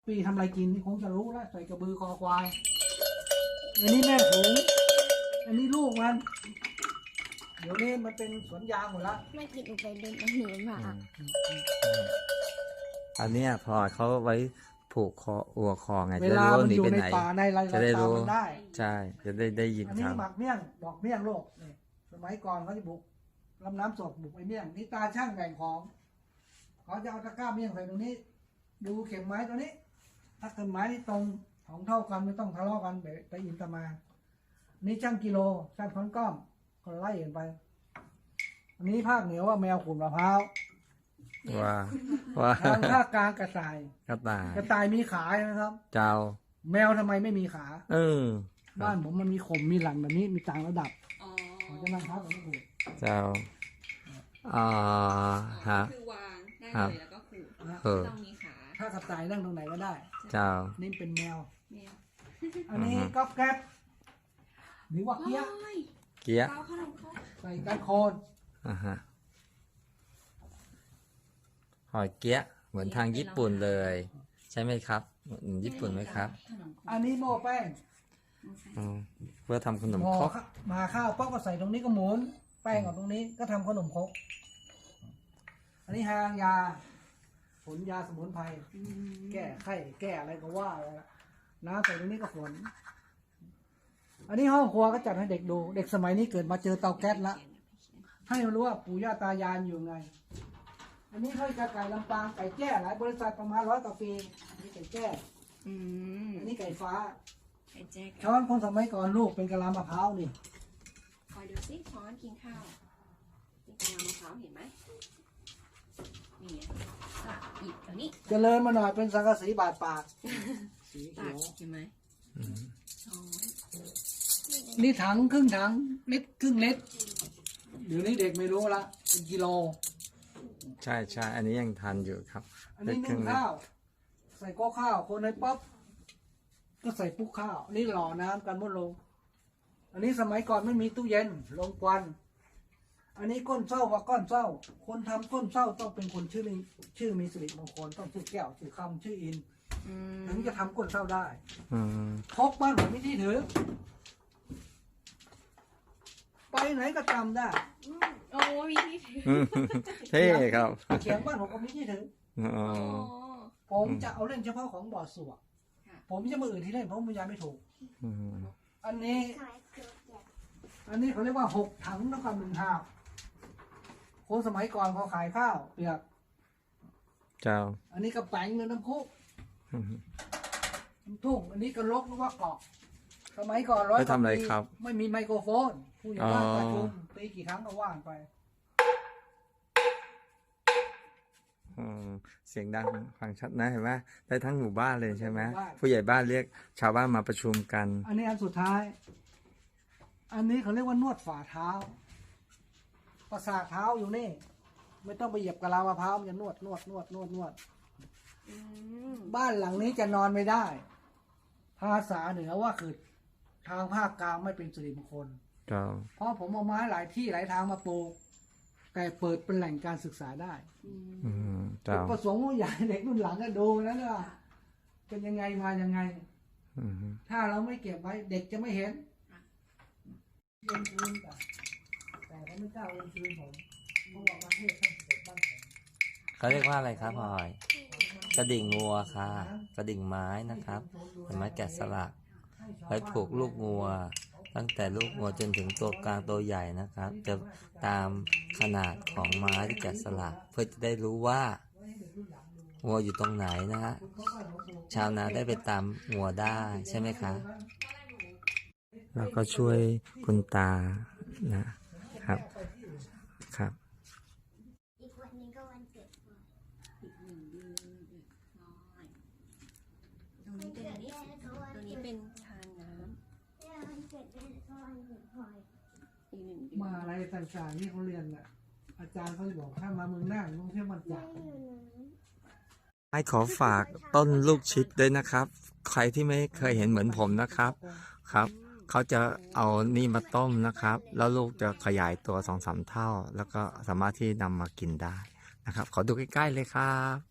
ปีทำอะไรกินนี่คงจะรู้แล้วใส่กระบือคอควายอันนี้แม่ผงอันนี้ลูกมันเดี๋ยวนี้มันเป็นสวนยางหมดละไม่กินอุไปเดินหนีมาอันเนี้ยพอเขาไว้ผูกคออัวคอไงเวจะลารู้มันหนีอยู่ไปในไหนป่าในไรจะได้รู้มันได้ใช่จะได้ยินอันคนี้รับหมักเมี่ยงดอกเมี่ยงโลกนี่สมัยก่อนเขาจะบุกลำน้ำสดบุกไอ้เมี่ยงนี่ตาช่างแบ่งของเขาจะเอาตะกร้าเมี่ยงใส่ตรงนี้ ดูเข็มไม้ตัวนี้ ถ้าเข็มไม้นี่ตรงของเท่ากันไม่ต้องทะเลาะกันไปอินตามานี่ช่างกิโลช่างค้อนก้อมก็ไล่กันไป อันนี้ภาคเหนือว่าแมวขุนมะพร้าวว่าทางภาคกลางกระต่ายกระต่ายกระต่ายมีขาใช่ไหมครับเจ้าแมวทำไมไม่มีขาเออบ้านผมมันมีขมมีหลังแบบนี้มีต่างระดับอ๋อเขาจะนั่งพักกันไม่ถูกเจ้าอ่าฮะคือวางได้ครับเลยแล้วก็ขูดเออต้องมีขาถ้ากระต่ายนั่งตรงไหนก็ได้เจ้านี่เป็นแมวแมวอันนี้ก๊อบแก๊บหรือว่าเกี้ยโอ้ยเกี๊ยะเปาขนมครกใส่กันโคนอ่าฮะหอยเกี๊ยะเหมือนทางญี่ปุ่นเลย ใช่ไหมครับเหมือนญี่ปุ่นไหมครับขนมครกอันนี้โม่แป้งอืมเพื่อทำขนมหม้อครกมาข้าวป๊อกก็ใส่ตรงนี้ก็หมุนแป้งกับตรงนี้ก็ทำขนมครกอันนี้หางยาผลยาสมุนไพรแก้ไข้แก้อะไรก็ว่าไปละน้ำใส่ตรงนี้ก็ฝน อันนี้ห้องครัวก็จัดให้เด็กดู เด็กสมัยนี้เกิดมาเจอเตาแก๊สละ ให้มันรู้ว่าปู่ย่าตายายอยู่ไง อันนี้เขาจะไก่ลำปางไก่แจ้หลายบริษัทประมาณ100 กว่าปีอันนี้ไก่แจ้อืมอันนี้ไก่ฟ้าไอ้แจ็คช้อนคนสมัยก่อนลูกเป็นกะลามะพร้าวนี่คอยดูสิช้อนกินข้าวนี่กะลามะพร้าวเห็นไหมนี่ก็หยิบตัวนี้เจริญมาหน่อยเป็นสังกะสีบาดปาก สีตัเขีกยวเห็นไหมอืมช้อนนี่ถังครึ่งถังเล็กครึ่งเล็กเดี๋ยวนี้เด็กไม่รู้ละเป็นกิโลใช่ใช่อันนี้ยังทันอยู่ครับอันนี้เคนึ่งเล็กข้าว ใส่โก้ข้าว คนในป๊อปก็ใส่ปุ๊กข้าว นี่หล่อน้ำกันมดลง อันนี้สมัยก่อนไม่มีตู้เย็นลงควัน อันนี้ก้นเศร้าว่าก้อนเศร้า คนทำก้นเศร้าต้องเป็นคนชื่อมีสิริมงคลต้องชื่อแก้วชื่อคำชื่ออินอืมถึงจะทำก้นเศร้าได้อืมพกบ้านผมไม่ที่ถือ ไปไหนก็จำได้โอ้มีที่ถืออืมเท่ครับเขียงบ้านผมก็มีที่ถืออ๋ออ๋อผมจะเอาเล่นเฉพาะของบ่อสวกค่ะผมจะมาอื่นที่เล่นเพราะมันยังไม่ถูกอืมอันนี้เขาเรียกว่า6 ถังแล้วก็1 หาบคนสมัยก่อนเขาขายข้าวเปียกเจ้าอันนี้ก็แป้งเงินน้ำคุกอืมน้ำทุ่งอันนี้ก็ลกหรือว่าเกาะสมัยก่อน100 ไปทำอะไรครับไม่มีไมโครโฟนผู้ใหญ่บ้านประชุมตีกี่ครั้งก็ว่างไปอืมเสียงดังฟังชัดนะเห็นไหมได้ทั้งหมู่บ้านเลยใช่ไหมหมู่บ้านผู้ใหญ่บ้านเรียกชาวบ้านมาประชุมกันอันนี้อันสุดท้าย อันนี้เขาเรียกว่านวดฝ่าเท้า ประสาทเท้าอยู่นี่ ไม่ต้องไปเหยียบกะลามะพร้าวมันจะนวดอืมบ้านหลังนี้จะนอนไม่ได้ ภาษาเหนือว่าคือทางภาคกลางไม่เป็นสิริมงคลเจ้าเพราะผมเอาไม้หลายที่หลายทางมาปลูก แต่เปิดเป็นแหล่งการศึกษาได้อืมอืมเจ้าประสงค์ว่าอยากให้เด็กรุ่นหลังก็ดูนะว่าเป็นยังไงมายังไงอืมถ้าเราไม่เก็บไว้เด็กจะไม่เห็นเรียนคืนกันแต่เขาไม่กล้าเรียนคืนผมเพราะว่าประเทศท่านเกิดบ้านผมเขาเรียกว่าอะไรครับพลอย กระดิ่งงัวค่ะ กระดิ่งไม้นะครับเป็นไม้แกะสลักไว้ผูกลูกงัว ตั้งแต่ลูกงัวจนถึงตัวกลางตัวใหญ่นะครับ จะตามขนาดของไม้ที่แกะสลัก เพื่อจะได้รู้ว่างัวอยู่ตรงไหนนะฮะชาวนาได้ไปตามงัวได้ใช่ไหมคะเราก็ช่วยคุณตานะครับครับอีกวันหนึงก็วันเกิดพ่ออีก1 เดือนตรงนี้เป็นอันนี้ตัวนี้เป็นชานน้แล้ววันเกิดแม่ก็วันเกิดพลอยำอีก1 เดือนมาอะไรต่างๆที่เขาเรียนน่ะอาจารย์เขาจะบอกถ้ามาเมืองน่านต้องเที่ยวมันจากให้ขอฝากต้นลูกชิดด้วยนะครับ ใครที่ไม่เคยเห็นเหมือนผมนะครับครับ เขาจะเอานี่มาต้มนะครับ แล้วลูกจะขยายตัว2-3 เท่า แล้วก็สามารถที่นำมากินได้นะครับ ขอดูใกล้ๆเลยครับ